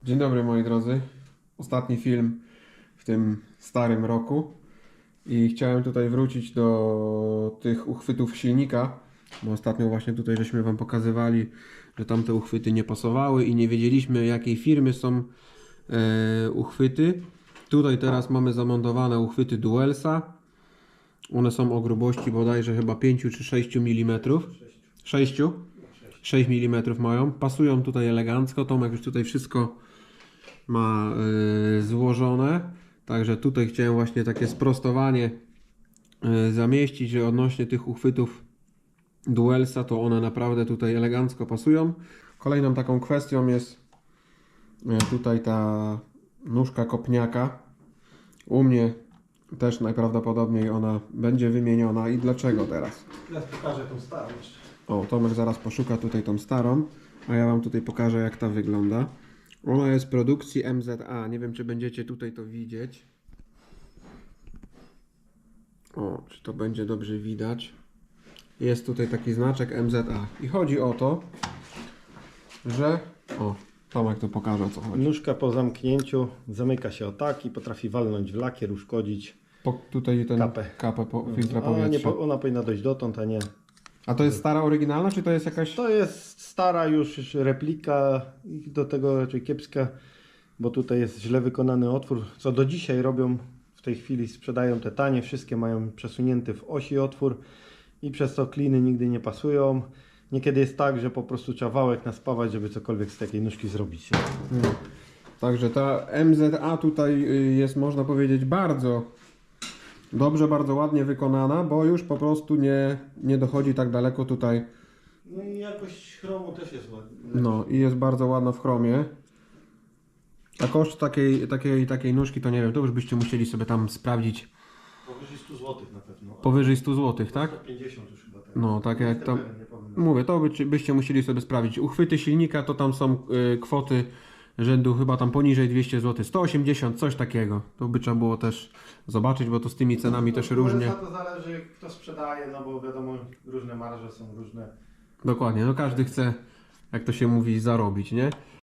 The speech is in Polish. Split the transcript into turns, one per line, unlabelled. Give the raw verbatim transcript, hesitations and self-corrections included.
Dzień dobry moi drodzy. Ostatni film w tym starym roku i chciałem tutaj wrócić do tych uchwytów silnika, bo ostatnio właśnie tutaj żeśmy wam pokazywali, że tamte uchwyty nie pasowały i nie wiedzieliśmy jakiej firmy są e, uchwyty. Tutaj teraz mamy zamontowane uchwyty Duelsa. One są o grubości bodajże chyba pięć czy sześć milimetrów. sześć? sześć milimetrów mają. Pasują tutaj elegancko. Tomek już tutaj wszystko ma y, złożone, także tutaj chciałem właśnie takie sprostowanie y, zamieścić, że odnośnie tych uchwytów Duelsa to one naprawdę tutaj elegancko pasują. Kolejną taką kwestią jest y, tutaj ta nóżka kopniaka. U mnie też najprawdopodobniej ona będzie wymieniona. I dlaczego teraz?
Ja pokażę tą starą jeszcze.
O, Tomek zaraz poszuka tutaj tą starą, a ja wam tutaj pokażę jak ta wygląda. Ona jest produkcji M Z A. Nie wiem, czy będziecie tutaj to widzieć. O, czy to będzie dobrze widać. Jest tutaj taki znaczek M Z A. I chodzi o to, że... O, Tomek to pokaże, o co chodzi.
Nóżka po zamknięciu zamyka się o tak i potrafi walnąć w lakier, uszkodzić.
Po, tutaj ten
Kapę.
kapę po, filtra
A nie,
powietrza.
po- ona powinna dojść dotąd, a nie.
A to jest stara oryginalna, czy to jest jakaś...
To jest stara już replika i do tego raczej kiepska, bo tutaj jest źle wykonany otwór, co do dzisiaj robią. W tej chwili sprzedają te tanie, wszystkie mają przesunięty w osi otwór i przez to kliny nigdy nie pasują. Niekiedy jest tak, że po prostu trzeba wałek naspawać, żeby cokolwiek z takiej nóżki zrobić. Nie?
Hmm. Także ta M Z A tutaj y, jest, można powiedzieć, bardzo dobrze, bardzo ładnie wykonana, bo już po prostu nie, nie dochodzi tak daleko tutaj.
No i jakość chromu też jest ładna.
No i jest bardzo ładna w chromie. A koszt takiej, takiej, takiej nóżki to nie wiem, to już byście musieli sobie tam sprawdzić.
Powyżej stu złotych na pewno.
Powyżej stu złotych, tak?
sto pięćdziesiąt już chyba. Tak.
No, tak jak
Jestem
tam...
pewien, nie powiem.
Mówię, to by, byście musieli sobie sprawdzić. Uchwyty silnika to tam są y, kwoty rzędu chyba tam poniżej dwieście złotych, sto osiemdziesiąt, coś takiego. To by trzeba było też zobaczyć, bo to z tymi cenami też różnie.
To zależy kto sprzedaje, no bo wiadomo, różne marże są różne.
Dokładnie, no każdy chce, jak to się mówi, zarobić, nie?